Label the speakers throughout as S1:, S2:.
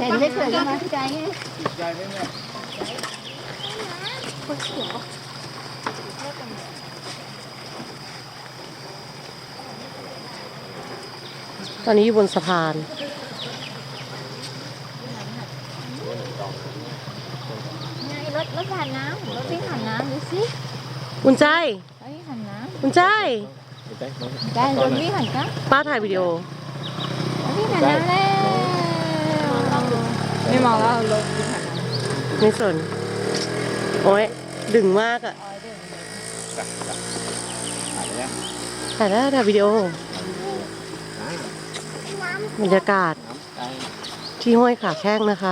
S1: ห็นเฉยๆก็มาใจไง
S2: ใจไหมแม่
S3: ตอนนี้อยู่บนสะพาน
S1: รถผ่านน้ำรถวิ่งผ่านน้ำดูสิ
S3: อุ่นใจ
S1: รถวิ่งผ่านน้
S3: อุ่นใจ
S1: ำได้รถวิ่งผ่านน้ำ
S3: ป้าถ่ายวิดีโอ
S1: รถวิ่งผ่านน้ำแล้วไม่มองแล้วรถวิ่งผ่านน้ำ
S3: ไม่สน โอ้ยดึงมากอะ
S2: ถ่ายแล้ว
S3: ถ่ายวิดีโอ บรรยากาศ ที่ห้วยขาแข้งนะคะ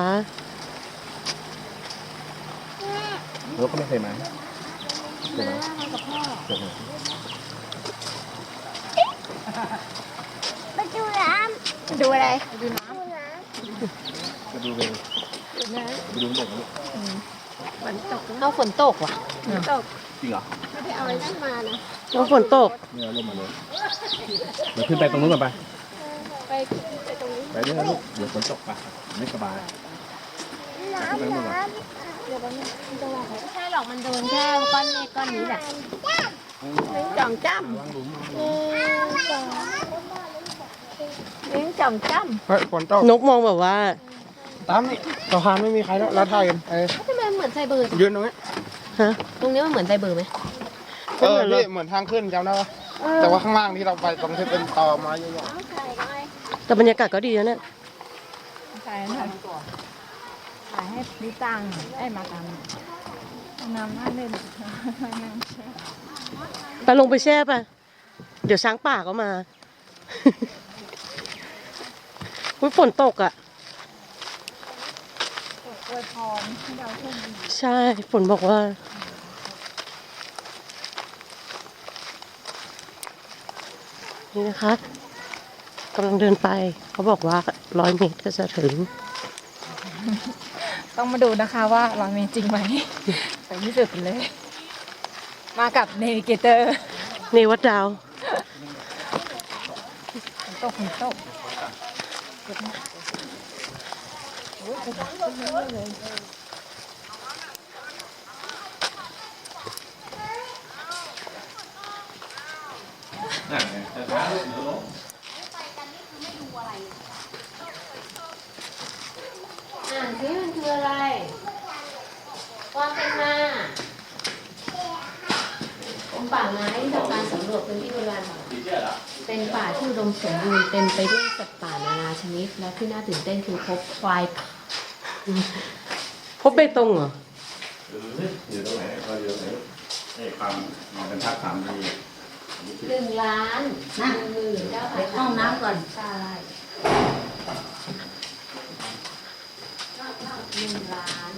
S2: รถก็ไม่เคยมาเคยมาเคยมา
S1: มาดูน้ำดูอะไรดูน้
S2: จะดูเองไปดูเด็กนี่
S1: ำเอาฝนตกว่ะ
S2: จริงเหรอ
S3: แล้วฝนตก
S2: เนี่ยลมมาเลยเดี๋ยวขึ้นไปตรงนู้นก่อนไปไปเรื่อยๆลูกเดี๋ยวฝนตกไปไม่สบายขึ้นไปตรงนู้นก่อน
S1: ไม่ใช่หรอกมันโดนแค่ก้อนเมฆก้อนนี้แหละจ่องจ้ำเลี้ยงจ่องจ้
S4: เฮ้ยฝนตก
S3: นกมองแบบว่า
S4: ตามนี่สะพานไม่มีใครแล้วเราถ่ายกัน
S1: ำทำไมเหมือนไซเบอร์
S4: ยืนตรงนี้
S3: ฮะ
S1: ตรงนี้มันเหมือนไซเบอร์ไหม
S4: พี่เหมือนทางขึ้นจำได้ปะแต่ว่าข้างล่างที่เราไปตรงที่เป็นตอไม้เยอะ
S3: แต่บรรยากาศก็ดีนะเนี่ย
S1: ถ่ายให้ลิตังไอ้มาตังน้ำน่าเล่น
S3: ไปลงไปแช่ป่ะ เดี๋ยวช้างป่าก็มา อุ้ยฝนตกอ่ะ
S1: อวยพรให้เราโชคดี
S3: ใช่ ฝนบอกว่า นี่นะคะกำลังเดินไป เขาบอกว่า100 เมตรก็จะถึง
S1: ต้องมาดูนะคะว่าเรามีจริงไหม ไปที่สุดเลย มากับเนวิเกเตอร์
S3: ในวัดดาว
S1: ฝนตกอ่านซิมันคืออะไร ความเป็นมาป่าไม้ที่ทำการสำรวจพื้นที่โบราณเป็นป่าที่อุดมสมบูรณ์เต็มไปด้วยสัตว์ป่านานาชนิด และที่น่าตื่นเต้นคือพบควาย
S3: พบเบตงเหรอ
S2: อยู่ตรงไหนก็อยู่ตรงไหนนี่ความเป็นภาพ3D
S1: 1 ล้าน10,000ห้องน้ำก่อนใช่1 ล้าน